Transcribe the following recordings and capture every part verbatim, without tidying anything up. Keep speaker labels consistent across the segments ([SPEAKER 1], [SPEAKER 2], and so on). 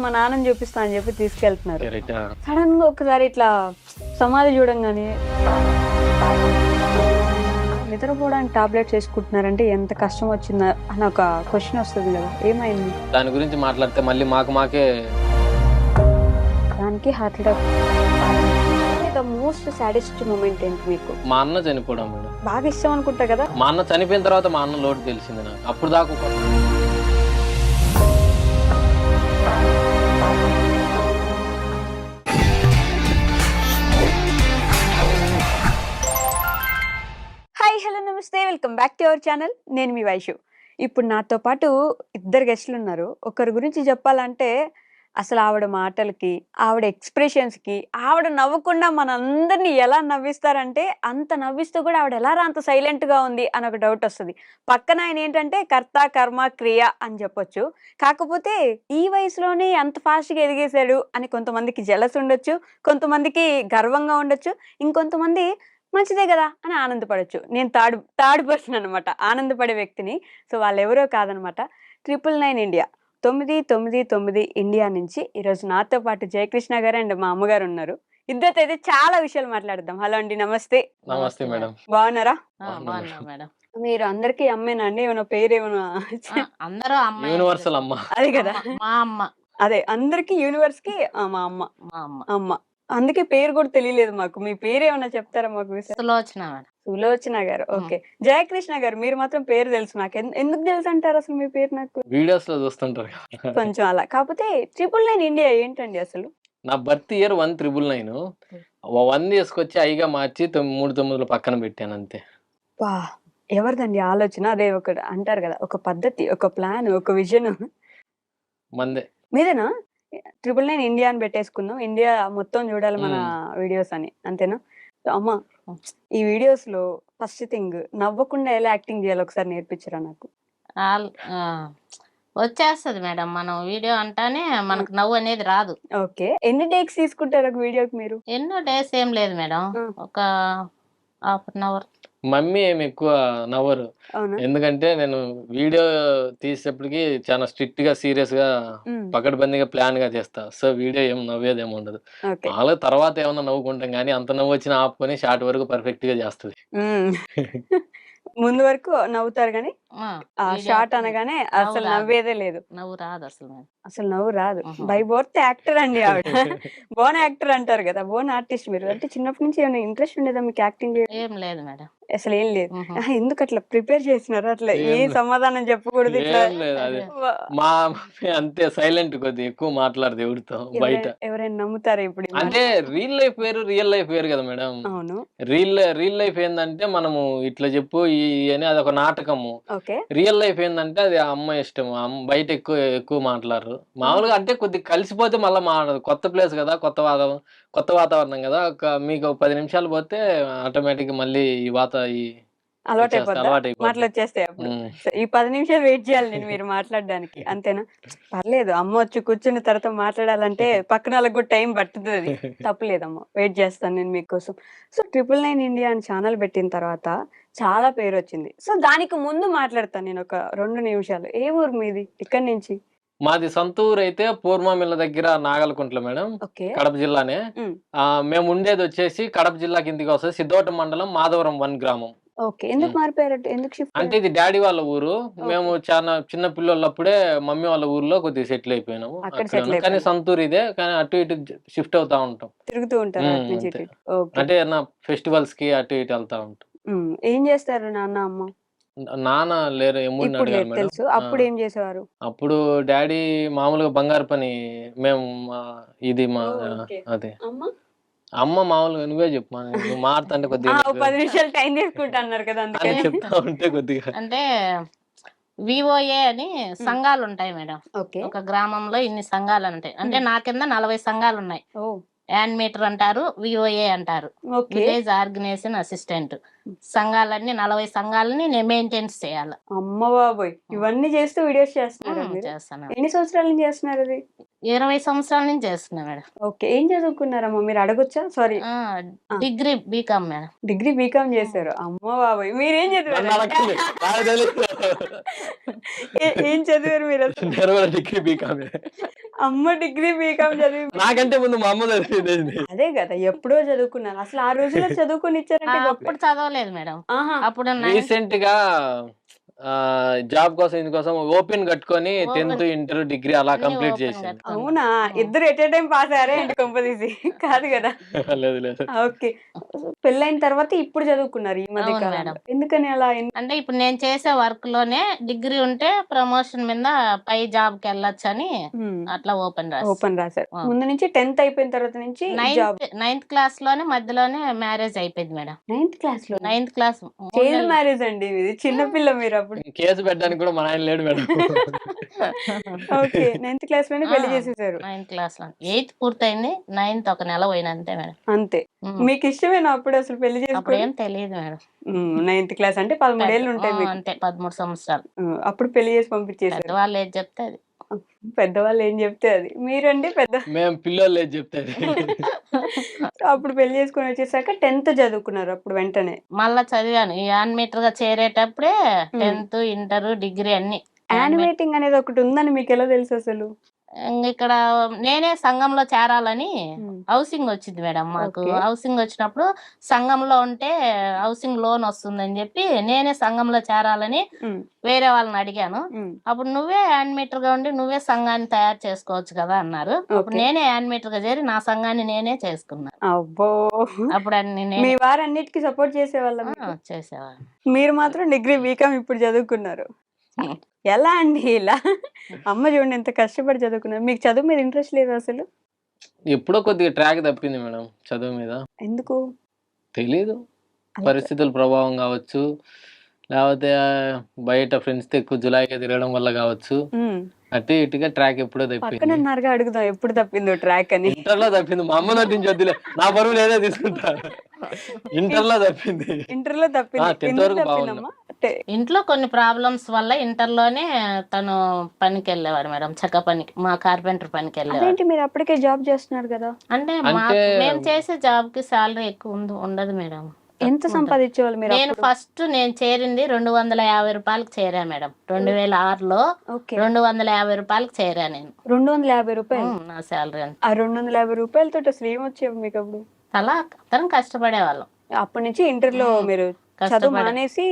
[SPEAKER 1] మా నాన్నని చూపిస్తా అని చెప్పి తీసుకెళ్తున్నారు.
[SPEAKER 2] కరెక్ట్.
[SPEAKER 1] సడన్ గా ఒకసారి ఇట్లా సమాధి చూడంగానే నిద్రపోవడానికి టాబ్లెట్స్ వేసుకుంటున్నారంటే ఎంత కష్టం వచ్చిందా అని ఒక క్వశ్చన్ వస్తుంది కదా, ఏమైంది?
[SPEAKER 2] దాని గురించి మాట్లాడితే మళ్ళీ మాకు మాకే
[SPEAKER 1] దానికి heart attack. The most saddest moment ఏంటి మీకు?
[SPEAKER 2] మా అన్న చనిపోవడం మేడం.
[SPEAKER 1] బాగా ఇష్టం అనుకుంటా కదా.
[SPEAKER 2] మా అన్న చనిపోయిన తర్వాత మా అన్న లోటు తెలిసింది నాకు. అప్పుడు దాకా ఒక-
[SPEAKER 1] హాయ్ హలో నమస్తే, welcome back to our channel. నేను మీ వైషు. ఇప్పుడు నాతో పాటు ఇద్దరు గెస్టులు ఉన్నారు. ఒకరి గురించి చెప్పాలంటే అసలు ఆవిడ మాటలకి, ఆవిడ ఎక్స్ప్రెషన్స్కి, ఆవిడ నవ్వకుండా మనందరినీ ఎలా నవ్విస్తారంటే అంత నవ్విస్తూ కూడా ఆవిడ ఎలా రా అంత సైలెంట్గా ఉంది అని ఒక డౌట్ వస్తుంది. పక్కన ఆయన ఏంటంటే కర్త కర్మ క్రియ అని చెప్పొచ్చు. కాకపోతే ఈ వయసులోనే అంత ఫాస్ట్గా ఎదిగేశాడు అని కొంతమందికి జలస్ ఉండొచ్చు, కొంతమందికి గర్వంగా ఉండొచ్చు, ఇంకొంతమంది మంచిదే కదా అని ఆనందపడచ్చు. నేను థర్డ్ థర్డ్ పర్సన్ అనమాట, ఆనందపడే వ్యక్తిని. సో వాళ్ళు ఎవరో కాదనమాట, ట్రిపుల్ నైన్ ఇండియా తొమ్మిది తొమ్మిది తొమ్మిది ఇండియా నుంచి ఈరోజు నాతో పాటు జయకృష్ణ గారు అండ్ మా అమ్మగారు ఉన్నారు. ఇద్దరితో అయితే చాలా విషయాలు మాట్లాడదాం. హలో అండి, నమస్తే.
[SPEAKER 2] నమస్తే మేడం.
[SPEAKER 1] బాగున్నారా?
[SPEAKER 3] బాగున్నా మేడం.
[SPEAKER 1] మీరు అందరికీ అమ్మేనా అండి? ఏమైనా పేరు ఏమైనా?
[SPEAKER 3] ఆ, అందరూ అమ్మ
[SPEAKER 2] యూనివర్సల్ అమ్మ.
[SPEAKER 1] అదే కదా,
[SPEAKER 3] మా అమ్మ
[SPEAKER 1] అదే అందరికి యూనివర్స్ కి ఆ, మా అమ్మ
[SPEAKER 3] మా అమ్మ
[SPEAKER 1] అమ్మ. అందుకే పేరు కూడా తెలియలేదు మాకు. మీ పేరు ఏమైనా చెప్తారా మాకు?
[SPEAKER 3] సులోచన మేడం.
[SPEAKER 1] సులోచన గారు. ఓకే. జయకృష్ణ గారు మీరు మాత్రం పేరు తెలుసు నాకు. ఎందు- ఎందుకు తెలుసు అంటారు అసలు మీ పేరు? నాకు
[SPEAKER 2] వీడియోస్ లో చూస్తుంటారు కదా.
[SPEAKER 1] కొంచెం అలా. కాకపోతే ట్రిపుల్ నైన్ ఇండియా ఏంటండి అసలు?
[SPEAKER 2] నా birth year one triple nine one తీసుకొచ్చి ఐగా మార్చి తొమ్మిది మూడు తొమ్మిదిలో పక్కన పెట్టాను అంతే.
[SPEAKER 1] వా, ఎవరిదండి ఆలోచన? అదే ఒక అంటారు కదా, ఒక పద్ధతి, ఒక ప్లాన్, ఒక విజన్
[SPEAKER 2] మందే.
[SPEAKER 1] మీదేనా? ట్రిపుల్ నైన్ ఇండియా అని పెట్టేసుకుందాం, ఇండియా మొత్తం చూడాలి మన వీడియోస్ అని, అంతేనా? సో అమ్మ, ఈ వీడియోస్ లో ఫస్ట్ థింగ్ నవ్వకుండా ఎలా యాక్టింగ్ చేయాలి ఒకసారి నేర్పించరా నాకు?
[SPEAKER 3] ఆల్- ఆ, వచ్చేస్తది మేడం. మనం వీడియో అంటానే మనకు నవ్వు అనేది రాదు.
[SPEAKER 1] ఓకే. ఎన్ని టేక్స్ తీసుకుంటారు ఒక వీడియోకి మీరు?
[SPEAKER 3] ఎన్నో డేస్ ఏం లేదు మేడం,
[SPEAKER 1] ఆ.
[SPEAKER 3] ఒక హాఫ్ అన్ అవర్.
[SPEAKER 2] మమ్మీ ఏమి ఎక్కువ నవ్వరు,
[SPEAKER 1] అవునా?
[SPEAKER 2] ఎందుకంటే నేను వీడియో తీసేటప్పటికి చాలా స్ట్రిక్ట్ గా సీరియస్ గా
[SPEAKER 1] ఉమ్,
[SPEAKER 2] పకడ్బందీగా ప్లాన్ గా చేస్తా. సో వీడియో ఏం నవ్వేదేమి ఉండదు.
[SPEAKER 1] ఓకే.
[SPEAKER 2] మామూలుగా తర్వాత ఏమన్నా నవ్వుకుంటాం కానీ అంత నవ్వు వచ్చినా ఆపుకొని షార్ట్ వరకు పర్ఫెక్ట్ గా చేస్తుంది.
[SPEAKER 1] ఉమ్. ముందు వరకు నవ్వుతారు కానీ
[SPEAKER 3] ఆ,
[SPEAKER 1] ఆ
[SPEAKER 3] వీడియో
[SPEAKER 1] షార్ట్ అనగానే అసలు
[SPEAKER 3] రాదు.
[SPEAKER 1] నవ్వేదే లేదు.
[SPEAKER 3] నవ్వు రాదు అసలు మేడం.
[SPEAKER 1] అసలు నవ్వు రాదు.
[SPEAKER 3] ఉహు.
[SPEAKER 1] బై బోర్త్ యాక్టర్ అండి ఆవిడ. బోన్ యాక్టర్ అంటారు కదా, బోన్ ఆర్టిస్ట్ మీరు. అంటే చిన్నప్పటి నుంచి ఏమైనా ఇంట్రెస్ట్ ఉండేదా మీకు యాక్టింగ్ చేయడం?
[SPEAKER 3] ఏం లేదు మేడం.
[SPEAKER 1] అసలు ఏం లేదు.
[SPEAKER 3] ఉహు.
[SPEAKER 1] ఆహా, ఎందుకు అట్లా ప్రిపేర్ చేసినారు? అట్లా ఏ
[SPEAKER 2] ఏం లేదు.
[SPEAKER 1] సమాధానం చెప్పకూడదు ఇట్లా?
[SPEAKER 2] ఏం లేదు, అది
[SPEAKER 1] వా-
[SPEAKER 2] మా మమ్మీ అంతే సైలెంట్, కొద్ది ఎక్కువ మాట్లాడదు ఎవరితో బయట.
[SPEAKER 1] ఎవరైనా ఎవరైనా నమ్ముతారా ఇప్పుడు ఈ మాట?
[SPEAKER 2] అంటే రియల్ లైఫ్ వేరు, రియల్ లైఫ్ వేరు కదా మేడం.
[SPEAKER 1] అవును.
[SPEAKER 2] రియల్ రియల్ లైఫ్ ఏంటంటే మనము ఇట్లా చెప్పు ఈ అని అదొక నాటకము.
[SPEAKER 1] ఓకే.
[SPEAKER 2] రియల్ లైఫ్ ఏంటంటే అది ఆ అమ్మ ఇష్టం. ఆ అమ్మ బయట ఎక్కువ ఎక్కువ మాట్లాడరు. మామూలుగా అంటే కొద్దిగా కలిసిపోతే మళ్ళీ మాట్లాడదు. కొత్త ప్లేస్ కదా, కొత్త వాతావరణం కొత్త వాతావరణం కదా. ఒక మీకు ఒక పది నిమిషాలు పోతే ఆటోమేటిక్ మళ్ళీ ఈ వాత ఈ
[SPEAKER 1] అలవాటు
[SPEAKER 2] వచ్చేస్తా,
[SPEAKER 1] అయిపోద్దా?
[SPEAKER 2] అలవాటు అయిపోద్ది.
[SPEAKER 1] మాటలు వచ్చేస్తాయి అప్పుడు.
[SPEAKER 2] ఉమ్.
[SPEAKER 1] సో ఈ పది నిమిషాలు వెయిట్ చేయాలి నేను మీరు మాట్లాడడానికి, అంతేనా? పర్లేదు, అమ్మ వచ్చి కూర్చున్న తర్వాత మాట్లాడాలంటే పక్కన వాళ్ళకి కూడా టైం పట్టుతుంది. తప్పులేదమ్మ, వెయిట్ చేస్తాను నేను మీకోసం. సో ట్రిపుల్ నైన్ ఇండియా అని ఛానల్ పెట్టిన తర్వాత చాలా పేరు వచ్చింది. సో దానికి ముందు మాట్లాడతాను నేను ఒక రెండు నిమిషాలు. ఏ ఊరు మీది? ఇక్కడి నుంచి?
[SPEAKER 2] మాది సొంత ఊరు అయితే పూర్వమిల్ల దగ్గర నాగలకుంట్ల మేడం,
[SPEAKER 1] ఓకే.
[SPEAKER 2] కడప జిల్లానే.
[SPEAKER 1] ఉమ్,
[SPEAKER 2] ఆ మేము ఉండేది వచ్చేసి కడప జిల్లా కిందికి వస్తుంది, సిద్ధోట మండలం, మాధవరం వన్ గ్రామం.
[SPEAKER 1] ఓకే. ఎందుకు మారిపోయారు? ఎందుకు షిఫ్ట్?
[SPEAKER 2] అంటే ఇది డాడీ వాళ్ళ ఊరు. మేము చాలా చిన్న పిల్లలప్పుడే మమ్మీ వాళ్ళ ఊర్లో కొద్దిగా సెటిల్ అయిపోయినాము.
[SPEAKER 1] అక్కడ
[SPEAKER 2] అక్కడ
[SPEAKER 1] సెటిల్
[SPEAKER 2] కానీ
[SPEAKER 1] అయిపోయారు.
[SPEAKER 2] సొంత ఊరు ఇదే, కానీ అటు ఇటు షిఫ్ట్ అవుతా ఉంటాం.
[SPEAKER 1] తిరుగుతూ ఉంటారు
[SPEAKER 2] ఉమ్,
[SPEAKER 1] అటు నుంచి
[SPEAKER 2] అంతే.
[SPEAKER 1] ఇటు. ఓకే.
[SPEAKER 2] అంటే నా ఫెస్టివల్స్ కి అటు ఇటు వెళ్తా ఉంటాం.
[SPEAKER 1] ఉమ్, ఏం చేస్తారు నాన్న అమ్మ?
[SPEAKER 2] నాన్న లేరు, ఎమ్ముడిని
[SPEAKER 1] ఇప్పుడు
[SPEAKER 2] అడిగారు
[SPEAKER 1] లేదు
[SPEAKER 2] మేడం.
[SPEAKER 1] తెలుసు.
[SPEAKER 2] ఆ,
[SPEAKER 1] అప్పుడు ఏం చేసేవారు?
[SPEAKER 2] అప్పుడు డాడీ మామూలుగా బంగారు పని. మేము మా- ఇది మా
[SPEAKER 1] ఓ, ఓకే.
[SPEAKER 2] అదే
[SPEAKER 1] అమ్మ
[SPEAKER 2] అమ్మ మామూలుగా నువ్వే చెప్పు, మా- నువ్వు మారుతుంటే
[SPEAKER 1] ఆ,
[SPEAKER 2] కొద్దిగా
[SPEAKER 1] ఓ పది నిమిషాలు టైం తీసుకుంటా అన్నారు కదా,
[SPEAKER 2] అని
[SPEAKER 1] అందుకని.
[SPEAKER 2] చెప్తా ఉంటే కొద్దిగా
[SPEAKER 3] అంటే విఓఏ అని సంఘాలు ఉంటాయి మేడం.
[SPEAKER 1] ఓకే.
[SPEAKER 3] ఒక గ్రామంలో ఇన్ని సంఘాలు ఉంటాయి. అంటే నా కింద నలభై సంఘాలు ఉన్నాయి.
[SPEAKER 1] ఓ,
[SPEAKER 3] యాన్ మీటర్ అంటారు, విఓఏ అంటారు,
[SPEAKER 1] ఓకే.
[SPEAKER 3] Village organization assistant. సంఘాలన్నీ నలభై సంఘాలని నేను మెయింటెన్స్ చేయాలి.
[SPEAKER 1] అమ్మ బాబోయ్, ఇవన్నీ చేస్తూ వీడియోస్ చేస్తున్నారా
[SPEAKER 3] ఉమ్,
[SPEAKER 1] మీరు?
[SPEAKER 3] చేస్తాను.
[SPEAKER 1] ఎన్ని సంవత్సరాల నుంచి చేస్తున్నారు అది?
[SPEAKER 3] ఇరవై సంవత్సరాల నుంచి చేస్తున్నా మేడం.
[SPEAKER 1] ఓకే. ఏం చదువుకున్నారమ్మా మీరు అడగొచ్చా? సారీ.
[SPEAKER 3] ఆ,
[SPEAKER 1] ఆ.
[SPEAKER 3] Degree BCom madam.
[SPEAKER 1] Degree BCom చేశారు. అమ్మ బాబోయ్! మీరేం
[SPEAKER 2] నన్ను
[SPEAKER 1] చదివారు?
[SPEAKER 2] అడగండి, నాకు తెలీదు.
[SPEAKER 1] ఏ- ఏం చదివారు మీరు అసలు?
[SPEAKER 2] నేను కూడా డిగ్రీ బీకామే.
[SPEAKER 1] అమ్మ డిగ్రీ బీకామ్ చదివి
[SPEAKER 2] నాకంటే ముందు మా అమ్మ చదివింది.
[SPEAKER 1] అదే కదా ఎప్పుడో చదువుకున్నారు. అసలు ఆ రోజుల్లో చదువుకొని
[SPEAKER 3] ఆ,
[SPEAKER 1] ఇచ్చారంటే గొప్పే.
[SPEAKER 3] అప్పుడు చదవలేదు మేడం.
[SPEAKER 1] ఆహా.
[SPEAKER 3] అప్పుడు నైన్త్
[SPEAKER 2] రీసెంట్ గా ఆ, జాబ్ కోసం ఇందుకోసం ఓపెన్ కట్టుకొని
[SPEAKER 3] ఓపెన్
[SPEAKER 2] టెన్త్ ఇంటర్ డిగ్రీ అలా
[SPEAKER 3] అన్ని
[SPEAKER 2] కంప్లీట్
[SPEAKER 3] ఓపెన్
[SPEAKER 2] చేశాను.
[SPEAKER 3] కట్టుకున్నా.
[SPEAKER 1] అవునా?
[SPEAKER 3] ఉమ్.
[SPEAKER 1] ఇద్దరు ఎట్ ఏ టైం పాస్ అయ్యారా ఏంటి కొంపదీసి? కాదు కదా.
[SPEAKER 2] లేదు లేదు.
[SPEAKER 1] ఓకే. పెళ్ళైన తర్వాత ఇప్పుడు చదువుకున్నారు ఈ మధ్య
[SPEAKER 3] అవును
[SPEAKER 1] కాలంలో.
[SPEAKER 3] మేడం.
[SPEAKER 1] ఎందుకని అలా? ఎన్-
[SPEAKER 3] అంటే ఇప్పుడు నేను చేసే వర్క్ లోనే డిగ్రీ ఉంటే ప్రమోషన్ మీద పై జాబ్ కి వెళ్ళొచ్చు అని
[SPEAKER 1] హ్మ్.
[SPEAKER 3] అట్లా ఓపెన్ రాసి
[SPEAKER 1] ఓపెన్ రాశారు.
[SPEAKER 3] ఆ.
[SPEAKER 1] ముందు నుంచి టెన్త్ అయిపోయిన తర్వాత నుంచి జాబ్.
[SPEAKER 3] నైన్త్ నైన్త్ క్లాస్ లోనే మధ్యలోనే మ్యారేజ్ అయిపోయింది మేడం.
[SPEAKER 1] నైన్త్ క్లాస్ లో
[SPEAKER 3] నైన్త్ క్లాస్
[SPEAKER 1] చైల్డ్ మ్యారేజ్ అండి ఇది. చిన్నపిల్ల మీరు అప్పుడు.
[SPEAKER 2] కేసు పెట్టడానికి కూడా మా ఆయన లేడు మేడం.
[SPEAKER 1] ఓకే. నైన్త్ క్లాస్ లోనే పెళ్లి చేసేసారు.
[SPEAKER 3] నైన్త్ క్లాస్ లో ఎయిత్ పూర్తయింది. నైన్త్ ఒక నెల పోయిన అంతే మేడం.
[SPEAKER 1] అంతే.
[SPEAKER 3] ఉమ్.
[SPEAKER 1] మీకు ఇష్టమేనా అప్పుడు అసలు పెళ్లి
[SPEAKER 3] అప్పుడు
[SPEAKER 1] చేసుకోవడం?
[SPEAKER 3] ఏం తెలియదు మేడం.
[SPEAKER 1] నైన్త్ క్లాస్ అంటే పదమూడేళ్ళు ఉంటాయి
[SPEAKER 3] ఆ,
[SPEAKER 1] మీకు.
[SPEAKER 3] అంతే పదమూడు సంవత్సరాలు.
[SPEAKER 1] ఉమ్, అప్పుడు పెళ్లి చేసి పంపించేశారు.
[SPEAKER 3] పెద్దవాళ్ళు ఏది చెప్తే అది.
[SPEAKER 1] పెద్దవాళ్ళు ఏం చెప్తే అది. మీరండి పెద్ద.
[SPEAKER 2] మేము పిల్లోళ్ళు లేదు చెప్తే.
[SPEAKER 1] అప్పుడు పెళ్లి చేసుకొని వచ్చేసాక టెన్త్ చదువుకున్నారు అప్పుడు వెంటనే.
[SPEAKER 3] మళ్ళా చదివాను ఈ యానిమేటర్ గా చేరేటప్పుడే
[SPEAKER 1] ఉమ్.
[SPEAKER 3] టెన్త్ ఇంటర్ డిగ్రీ అన్ని.
[SPEAKER 1] యానిమేటింగ్ అనేది ఒకటి ఉందని మీకు ఎలా తెలుసు అసలు?
[SPEAKER 3] ఇంక ఇక్కడ నేనే సంఘంలో చేరాలని
[SPEAKER 1] ఉమ్.
[SPEAKER 3] హౌసింగ్ వచ్చింది మేడం మాకు.
[SPEAKER 1] ఓకే.
[SPEAKER 3] హౌసింగ్ వచ్చినప్పుడు సంఘంలో ఉంటే హౌసింగ్ లోన్ వస్తుందని చెప్పి నేనే సంఘంలో చేరాలని
[SPEAKER 1] ఉమ్,
[SPEAKER 3] వేరే వాళ్ళని అడిగాను.
[SPEAKER 1] ఉమ్.
[SPEAKER 3] అప్పుడు నువ్వే యానిమేటర్ గా ఉండి నువ్వే సంఘాన్ని తయారు చేసుకోవచ్చు కదా అన్నారు. అప్పుడు
[SPEAKER 1] ఓకే.
[SPEAKER 3] నేనే యానిమేటర్ గా చేరి నా సంఘాన్ని నేనే చేసుకున్నాను.
[SPEAKER 1] అబ్బో.
[SPEAKER 3] అప్పుడు అన్ని
[SPEAKER 1] మీ
[SPEAKER 3] నేనే
[SPEAKER 1] వారు అన్నిటికీ సపోర్ట్ చేసేవాళ్ళ
[SPEAKER 3] ఆ,
[SPEAKER 1] మీకు?
[SPEAKER 3] చేసేవాడిని.
[SPEAKER 1] మీరు మాత్రం డిగ్రీ బీకామ్ ఇప్పుడు చదువుకున్నారు. ఎలా అండి ఇలా? అమ్మ చూడండి ఎంత కష్టపడి చదువుకున్నారు. మీకు చదువు మీద ఇంట్రెస్ట్ లేదు అసలు?
[SPEAKER 2] ఎప్పుడో కొద్దిగా ట్రాక్ తప్పింది మేడం చదువు మీద.
[SPEAKER 1] ఎందుకు?
[SPEAKER 2] తెలీదు,
[SPEAKER 1] అలా
[SPEAKER 2] పరిస్థితుల ప్రభావం కావచ్చు, లేకపోతే ఆ, బయట ఫ్రెండ్స్తో ఎక్కువ జులాయిగా తిరగడం వల్ల కావచ్చు.
[SPEAKER 1] ఉమ్.
[SPEAKER 2] అటు ఇటుగా ట్రాక్ ఎప్పుడో
[SPEAKER 1] పక్కన
[SPEAKER 2] తప్పింది.
[SPEAKER 1] ఉన్నారుగా అడుగుదాం ఎప్పుడు తప్పిందో ట్రాక్ అని.
[SPEAKER 2] ఇంటర్లో తప్పింది. మా అమ్మ నటించి వద్దులే, నా బరువు నేనే తీసుకుంటా. ఇంటర్లో తప్పింది.
[SPEAKER 1] ఇంటర్లో తప్పింది.
[SPEAKER 2] టెన్త్
[SPEAKER 1] ఎందుకు
[SPEAKER 2] వరకు బాగున్నా.
[SPEAKER 1] తప్పిందమ్మా? టే-
[SPEAKER 3] ఇంట్లో కొన్ని ప్రాబ్లమ్స్ వల్ల ఇంటర్లోనే తను పనికి వెళ్ళేవారు మేడం. చెక్క పనికి, మా కార్పెంటర్ పనికి వెళ్ళేవారు.
[SPEAKER 1] అదేంటి మీరు అప్పటికే జాబ్ చేస్తున్నారు కదా?
[SPEAKER 3] అంటే మా
[SPEAKER 2] అంటే
[SPEAKER 3] మేము చేసే జాబ్ కి శాలరీ ఎక్కువ ఉంద- ఉండదు మేడం.
[SPEAKER 1] ఎంత
[SPEAKER 3] తక్కువ ఉంటది.
[SPEAKER 1] సంపాదించేవాళ్ళు మీరు
[SPEAKER 3] నేను
[SPEAKER 1] అప్పుడు?
[SPEAKER 3] ఫస్ట్ నేను చేరింది రెండు వందల యాభై రూపాయలకు చేరా మేడం. రెండు వేల ఆరులో
[SPEAKER 1] ఓకే.
[SPEAKER 3] రెండు వందల యాభై రూపాయలకు చేరా నేను.
[SPEAKER 1] రెండు వందల యాభై రూపాయలు.
[SPEAKER 3] ఉమ్, నా శాలరీ అంత.
[SPEAKER 1] ఆ రెండు వందల యాభై రూపాయలతో అసలు ఏమొచ్చేవి మీకు అప్పుడు?
[SPEAKER 3] అలా అతను కష్టపడేవాళ్ళం.
[SPEAKER 1] అప్పటి నుంచి ఇంటర్లో
[SPEAKER 3] ఉమ్,
[SPEAKER 1] మీరు చదువు
[SPEAKER 3] కష్టపడే
[SPEAKER 1] మానేసి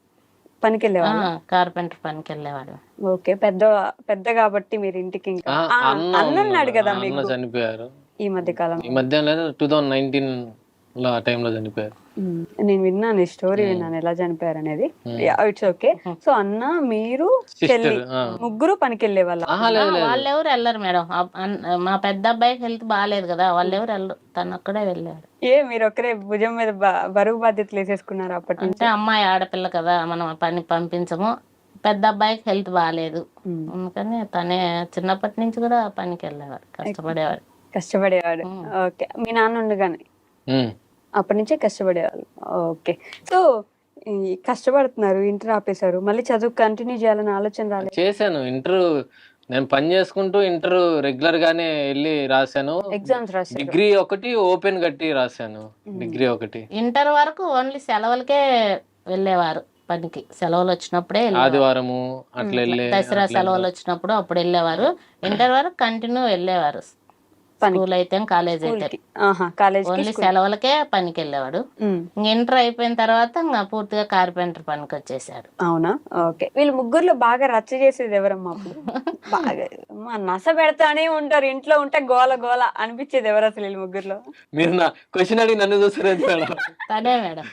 [SPEAKER 1] పనికి వెళ్ళేవాళ్ళు.
[SPEAKER 3] కార్పెంటర్ పనికి వెళ్ళేవాడు.
[SPEAKER 1] ఓకే. పెద్ద పెద్ద కాబట్టి మీరు ఇంటికి ఇంకా
[SPEAKER 2] ఆ,
[SPEAKER 1] ఆ,
[SPEAKER 2] అన్న
[SPEAKER 1] అన్న ఉన్నాడు
[SPEAKER 2] ఉన్నాడు.
[SPEAKER 1] కదా
[SPEAKER 2] అన్న
[SPEAKER 1] మీకు
[SPEAKER 2] చనిపోయారు
[SPEAKER 1] ఈ మధ్య కాలం.
[SPEAKER 2] ఈ మధ్య లేదు, టూ థౌజండ్ నైన్టీన్ లో ఆ టైంలో చనిపోయారు.
[SPEAKER 1] నేను విన్నాను ఈ స్టోరీ,
[SPEAKER 2] ఉమ్.
[SPEAKER 1] విన్నాను ఎలా చనిపోయారు అనేది.
[SPEAKER 2] ఉమ్.
[SPEAKER 1] It's okay. సో అన్న మీరు చెల్లి
[SPEAKER 2] సిస్టర్.
[SPEAKER 1] ముగ్గురు పనికి వెళ్ళే వాళ్ళ?
[SPEAKER 2] ఆహా లేదు లేదు.
[SPEAKER 3] వాళ్ళెవరు వెళ్ళరు మేడం. ఆ, అన్- మా పెద్ద అబ్బాయికి హెల్త్ బాగాలేదు కదా, వాళ్ళెవరు వెళ్ళరు. తను ఒక్కడే వెళ్ళాడు.
[SPEAKER 1] ఏ మీరు ఒక్కరే భుజం మీద బ- బరువు బాధ్యతలు వేసేసుకున్నారు అప్పటి నుంచి?
[SPEAKER 3] అంటే అమ్మాయి ఆడపిల్ల కదా, మనం పని పంపించము. పెద్ద అబ్బాయికి హెల్త్ బాగాలేదు,
[SPEAKER 1] ఉమ్.
[SPEAKER 3] అందుకని తనే చిన్నప్పటి నుంచి కూడా పనికి వెళ్ళేవాడు, కష్టపడేవాడు.
[SPEAKER 1] కష్టపడేవాడు.
[SPEAKER 3] ఉమ్.
[SPEAKER 1] ఓకే. మీ నాన్న ఉండగానే
[SPEAKER 2] ఉమ్.
[SPEAKER 1] అప్పటి నుంచే కష్టపడేవాళ్ళు. ఓకే. సో ఈ కష్టపడుతున్నారు, ఇంటర్ ఆపేశారు, మళ్ళీ చదువు కంటిన్యూ చేయాలని ఆలోచన రాలేదు?
[SPEAKER 2] చేశాను ఇంటర్. నేను పని చేసుకుంటూ ఇంటర్ రెగ్యులర్ గానే వెళ్ళి రాశాను.
[SPEAKER 1] ఎగ్జామ్స్ రాశారు?
[SPEAKER 2] డిగ్రీ ఒకటి ఓపెన్ కట్టి రాశాను. డిగ్రీ ఒకటి
[SPEAKER 3] ఇంటర్ వరకు ఓన్లీ సెలవులకే వెళ్ళేవారు పనికి. సెలవులు వచ్చినప్పుడే వెళ్ళేవారు.
[SPEAKER 2] ఆదివారము అట్లా వెళ్ళే
[SPEAKER 3] దసరా
[SPEAKER 2] అట్లా
[SPEAKER 3] సెలవులు వచ్చినప్పుడు అప్పుడు వెళ్ళేవారు. ఇంటర్ వరకు కంటిన్యూ వెళ్ళేవారు.
[SPEAKER 1] పనికి?
[SPEAKER 3] స్కూల్ అయితే కాలేజ్ అయితే
[SPEAKER 1] స్కూల్కి? ఆహా, కాలేజ్కి,
[SPEAKER 3] ఓన్లీ
[SPEAKER 1] స్కూల్.
[SPEAKER 3] సెలవులకే పనికి వెళ్ళేవాడు.
[SPEAKER 1] ఉమ్.
[SPEAKER 3] ఇంక ఇంటర్ అయిపోయిన తర్వాత ఇంకా పూర్తిగా కార్పెంటర్ పనికి వచ్చేసాడు.
[SPEAKER 1] అవునా? ఓకే. వీళ్ళు ముగ్గురులో బాగా రచ్చ చేసేది ఎవరమ్మా అప్పుడు? బాగా మా నస పెడతానే ఉంటారు, ఇంట్లో ఉంటే గోల గోల అనిపించేది ఎవరు అసలు వీళ్ళు ముగ్గురులో?
[SPEAKER 2] మీరు నా క్వశ్చన్ అడిగి నన్ను చూస్తారు మేడం.
[SPEAKER 3] తనే మేడం.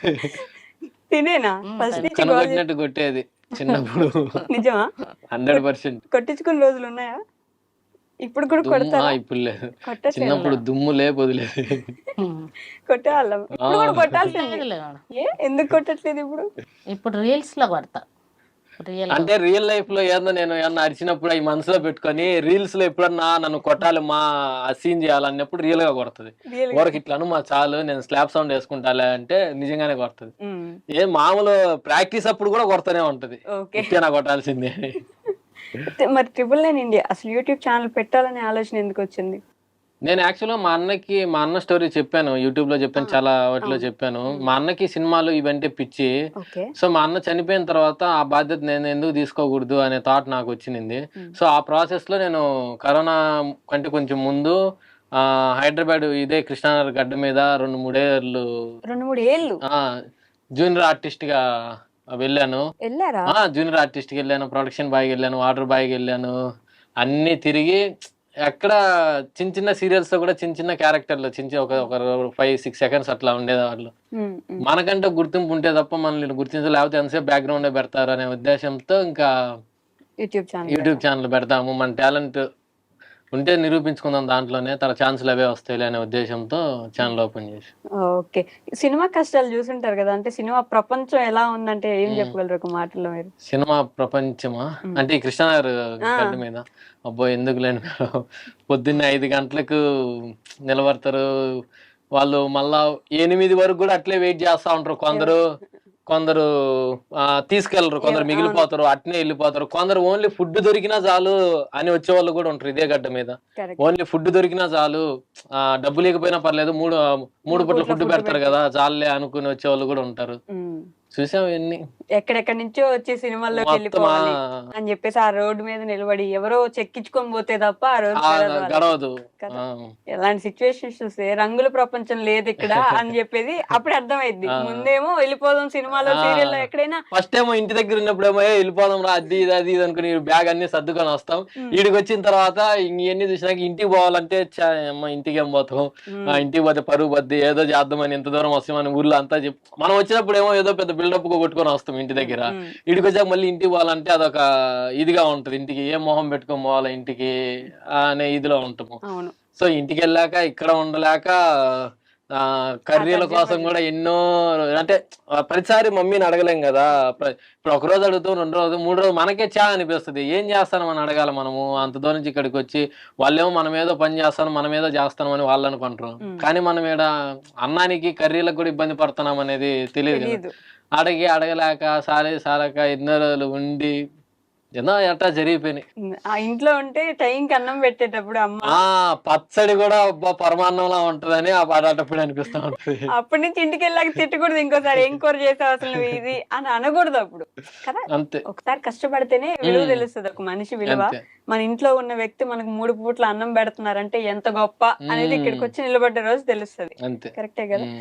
[SPEAKER 1] తినేనా
[SPEAKER 3] ఉమ్,
[SPEAKER 1] ఫస్ట్
[SPEAKER 3] తనే.
[SPEAKER 1] నుంచి గోల చేసి-
[SPEAKER 2] కనబడినట్టు కొట్టేది చిన్నప్పుడు.
[SPEAKER 1] నిజమా?
[SPEAKER 2] Hundred percent.
[SPEAKER 1] కొట్టించుకున్న రోజులు ఉన్నాయా? ఇప్పుడు కూడా కొడతారా?
[SPEAKER 2] ఇప్పుడు లేదు,
[SPEAKER 1] కొట్టట్లేదు.
[SPEAKER 2] చిన్నప్పుడు దుమ్ము లేపు వదిలేదు.
[SPEAKER 1] కొట్టేవాళ్ళం. ఇప్పుడు కూడా కొట్టాల్సింది.
[SPEAKER 3] లేదు మేడం.
[SPEAKER 1] ఏ ఎందుకు కొట్టట్లేదు ఇప్పుడు?
[SPEAKER 3] ఇప్పుడు రీల్స్ లో కొడతా. రియల్
[SPEAKER 2] అంటే రియల్ లైఫ్ లో ఏదో నేను ఏమన్నా అరిచినప్పుడు అవి మనసులో పెట్టుకొని రీల్స్ లో ఎప్పుడన్నా నన్ను కొట్టాలి మా సీన్ చేయాలన్నప్పుడు రియల్ గా కొడుతుంది.
[SPEAKER 1] Real గా.
[SPEAKER 2] ఊరికి ఇట్లాను మా చాలు నేను స్లాప్ సౌండ్ వేసుకుంటాలే అంటే నిజంగానే కొడుతుంది.
[SPEAKER 1] ఉమ్.
[SPEAKER 2] ఏ మామూలు ప్రాక్టీస్ అప్పుడు కూడా కొడతానే ఉంటది.
[SPEAKER 1] ఓకే.
[SPEAKER 2] ఇట్లా నా కొట్టాల్సిందే.
[SPEAKER 1] అయితే మరి ట్రిపుల్ నైన్ ఇండియా అసలు యూట్యూబ్ ఛానల్ పెట్టాలనే ఆలోచన ఎందుకు వచ్చింది?
[SPEAKER 2] నేను యాక్చువల్‌గా మా అన్నకి మా అన్న స్టోరీ చెప్పాను. యూట్యూబ్‌లో
[SPEAKER 1] ఆ!
[SPEAKER 2] చెప్పాను. చాలా వాటిలో
[SPEAKER 1] అవును.
[SPEAKER 2] చెప్పాను.
[SPEAKER 1] హ్మ్.
[SPEAKER 2] మా అన్నకి సినిమాలు ఇవంటే పిచ్చి.
[SPEAKER 1] ఓకే.
[SPEAKER 2] సో, మా అన్న చనిపోయిన తర్వాత ఆ బాధ్యత నేను ఎందుకు తీసుకోకూడదు అనే థాట్ నాకొచ్చింది.
[SPEAKER 1] హ్మ్.
[SPEAKER 2] సో, ఆ ప్రాసెస్‌లో నేను కరోనా కంటే కొంచెం ముందు ఆహ్, హైదరాబాద్ ఇదే కృష్ణానగర్ గడ్డ మీద రెండు, మూడు ఏళ్ళు
[SPEAKER 1] రెండు, మూడు ఏళ్ళు
[SPEAKER 2] ఆ! జూనియర్ ఆర్టిస్ట్‌గా వెళ్ళాను.
[SPEAKER 1] ఎళ్లారా?
[SPEAKER 2] ఆ! జూనియర్ ఆర్టిస్ట్‌కెళ్ళాను, ప్రొడక్షన్ బాయ్‌గెళ్ళాను, వాటర్ బాయ్‌గెళ్ళాను. అన్నీ తిరిగి ఎక్కడ చిన్న చిన్న సీరియల్స్‌లో కూడా చిన్న చిన్న క్యారెక్టర్‌లు చిన్న చిన్న ఒక ఒక ఐదు, ఆరు సెకండ్స్ అట్లా ఉండేవాళ్ళు.
[SPEAKER 1] హ్మ్. హ్మ్.
[SPEAKER 2] మనకంటే గుర్తింపు ఉంటే తప్ప మనల్ని గుర్తించరు. లేకపోతే ఎంతసేపు బ్యాక్‌గ్రౌండే పెడతారు అనే ఉద్దేశంతో ఇంకా
[SPEAKER 1] యూట్యూబ్ ఛానల్
[SPEAKER 2] యూట్యూబ్
[SPEAKER 1] పెట్టారు.
[SPEAKER 2] ఛానెల్ పెడదాము. మన టాలెంట్ ఉంటే నిరూపించుకుందాం దాంట్లోనే. తర్వాత ఛాన్స్‌లు అవే వస్తాయిలే అనే ఉద్దేశంతో ఛానెల్ ఓపెన్ చేశా.
[SPEAKER 1] ఓకే. సినిమా కష్టాలు చూసుంటారు గదా! అంటే సినిమా ప్రపంచం ఎలా ఉందంటే ఏం
[SPEAKER 2] హ్మ్.
[SPEAKER 1] చెప్పగలరు ఒక మాటలో మీరు?
[SPEAKER 2] సినిమా ప్రపంచమా?
[SPEAKER 1] హ్మ్.
[SPEAKER 2] అంటే ఈ కృష్ణానగర్
[SPEAKER 1] ఆ!
[SPEAKER 2] గడ్డ మీద. అబ్బో! ఎందుకులేండి మేడం. పొద్దున్నే ఐదు గంటలకు నిలబడతారు. వాళ్ళు మళ్ళా ఎనిమిది వరకు గూడా అట్లే వెయిట్ జేస్తా ఉంటారు. కొందరు,
[SPEAKER 1] ఎవరు?
[SPEAKER 2] కొందరు ఆహ్, తీసుకెళ్లరు.
[SPEAKER 1] ఎవ్
[SPEAKER 2] కొందరు
[SPEAKER 1] అవును.
[SPEAKER 2] మిగిలిపోతారు. అట్నే ఎళ్ళిపోతారు. కొందరు ఓన్లీ ఫుడ్ దొరికినా చాలు అని వచ్చేవాళ్ళు గూడా ఉంటారు ఇదే గడ్డ మీద.
[SPEAKER 1] కరెక్ట్.
[SPEAKER 2] ఓన్లీ ఫుడ్ దొరికినా చాలు ఆహ్, డబ్బు లేకపోయినా పర్లేదు. మూడు మూడు
[SPEAKER 1] మూడు
[SPEAKER 2] పూట్ల
[SPEAKER 1] పూట్ల
[SPEAKER 2] ఫుడ్
[SPEAKER 1] ఫుడ్
[SPEAKER 2] పెడతారు
[SPEAKER 1] పెడతారు.
[SPEAKER 2] గదా! చాలులే అనుకుని వచ్చేవాళ్ళు గూడా ఉంటారు.
[SPEAKER 1] హ్మ్.
[SPEAKER 2] చూసాం ఇయన్నీ.
[SPEAKER 1] ఎక్కడెక్కడి నుంచో వచ్చి సినిమాల్లోకి
[SPEAKER 2] మొత్తం ఆ!
[SPEAKER 1] వెళ్ళిపోవాలి అని జెప్పేసి ఆ రోడ్డు మీద నిలబడి ఎవరో చెక్కించుకొని పోతే తప్ప ఆ రోజు
[SPEAKER 2] ఆ!
[SPEAKER 1] గడవదు వాళ్ళకి.
[SPEAKER 2] గడవదు.
[SPEAKER 1] కదా!
[SPEAKER 2] ఆ!
[SPEAKER 1] ఎలాంటి సిట్యుయేషన్స్ చూస్తే రంగుల ప్రపంచం లేదిక్కడ అని జెప్పేది అప్పుడే అర్థమైద్ది.
[SPEAKER 2] ఆ!
[SPEAKER 1] ముందేమో వెళ్ళిపోదాం సినిమాలో, సీరియల్‌లో
[SPEAKER 2] ఆ!
[SPEAKER 1] ఎక్కడైనా
[SPEAKER 2] ఫస్టేమో ఇంటి దగ్గరున్నప్పుడేమో "ఏయ్! ఎళ్ళిపోదాం రా" అది ఇది, అది ఇది అనుకుని బ్యాగ్ అన్నీ సర్దుకొనొస్తాం.
[SPEAKER 1] హ్మ్.
[SPEAKER 2] ఈడికొచ్చిన తర్వాత ఇయన్నీ చూసినాక ఇంటికి పోవాలంటే ఛ! యమ్మ ఇంటికేం పోతాం. ఆ!
[SPEAKER 1] హ్మ్.
[SPEAKER 2] ఇంటికి పోతే పరువు పోద్ది. ఏదో చేద్దామని ఇంత దూరం వస్తామని ఊర్లో అంతా చెప్ మనం వచ్చినప్పుడేమో ఏదో పెద్ద బిల్డప్‌గా కొట్టుకొని వస్తాం ఇంటి
[SPEAKER 1] హ్మ్.
[SPEAKER 2] దగ్గర.
[SPEAKER 1] హ్మ్.
[SPEAKER 2] ఈడికొచ్చాక మళ్ళీ ఇంటికి పోవాలంటే అదొక ఇదిగా ఉంటది. ఇంటికి ఏ మొహం పెట్టుకొని పోవాలా ఇంటికి అనే ఇదిలో ఉంటాము.
[SPEAKER 1] అవును.
[SPEAKER 2] సో, ఇంటికెళ్ళాక ఇక్కడ ఉండలేక ఆహ్,
[SPEAKER 1] ఆ
[SPEAKER 2] కర్రీల
[SPEAKER 1] తర్జన
[SPEAKER 2] కోసం
[SPEAKER 1] భర్జన.
[SPEAKER 2] గూడా ఎన్నో అంటే ఆహ్, ప్రతిసారి మమ్మీని అడగలేం గదా! ప్ర ఇప్పుడు ఒకరోజు అడుగుతాం, రెండు రోజు, మూడు రోజులు మనకే ఛా అనిపిస్తది. ఏం జేస్తానమని అడగాల మనము? అంత దూరం నుంచి ఇక్కడికొచ్చి వాళ్ళేమో మనమేదో పని జేస్తానం, మనమేదో జేస్తున్నామని వాళ్ళనుకుంటరు.
[SPEAKER 1] హ్మ్.
[SPEAKER 2] కానీ మనం ఈడ అన్నానికి, కర్రీలకు గూడా ఇబ్బంది పడుతున్నామనేది తెలీదు గదా!
[SPEAKER 1] తెలీదు.
[SPEAKER 2] అడిగి అడగలేక, సాలే సాలక ఎన్నో రోజులు ఉండి, ఎన్నో ఎట్టా జరిగిపోయినాయి.
[SPEAKER 1] హ్మ్. ఆ ఇంట్లో ఉంటే టైంకి అన్నం పెట్టేటప్పుడు అమ్మ
[SPEAKER 2] ఆ! పచ్చడి గూడా అబ్బా! పరమాన్నంలా ఉంటదని ఆ అలాంటప్పుడు అనిపిస్తా ఉంటది.
[SPEAKER 1] అప్పటి నుంచి ఇంటికెళ్ళాక తిట్టకూడదు ఇంకోసారి. "ఏం కూర చేసావు అసలు నువ్వు ఇది" అని అనకూడదప్పుడు. కదా!
[SPEAKER 2] అంతే.
[SPEAKER 1] ఒకసారి కష్టపడితేనే విలువ
[SPEAKER 2] హ్మ్.
[SPEAKER 1] తెలుస్తది. ఒక మనిషి విలువ.
[SPEAKER 2] అంతే.
[SPEAKER 1] మన ఇంట్లో ఉన్న వ్యక్తి మనకు మూడు పూట్ల అన్నం పెడుతున్నారంటే ఎంత గొప్ప అనేది
[SPEAKER 2] హ్మ్.
[SPEAKER 1] ఇక్కడికొచ్చి నిలబడ్డ రోజు తెలుస్తది.
[SPEAKER 2] అంతే.
[SPEAKER 1] కరెక్టే గదా!
[SPEAKER 2] హ్మ్.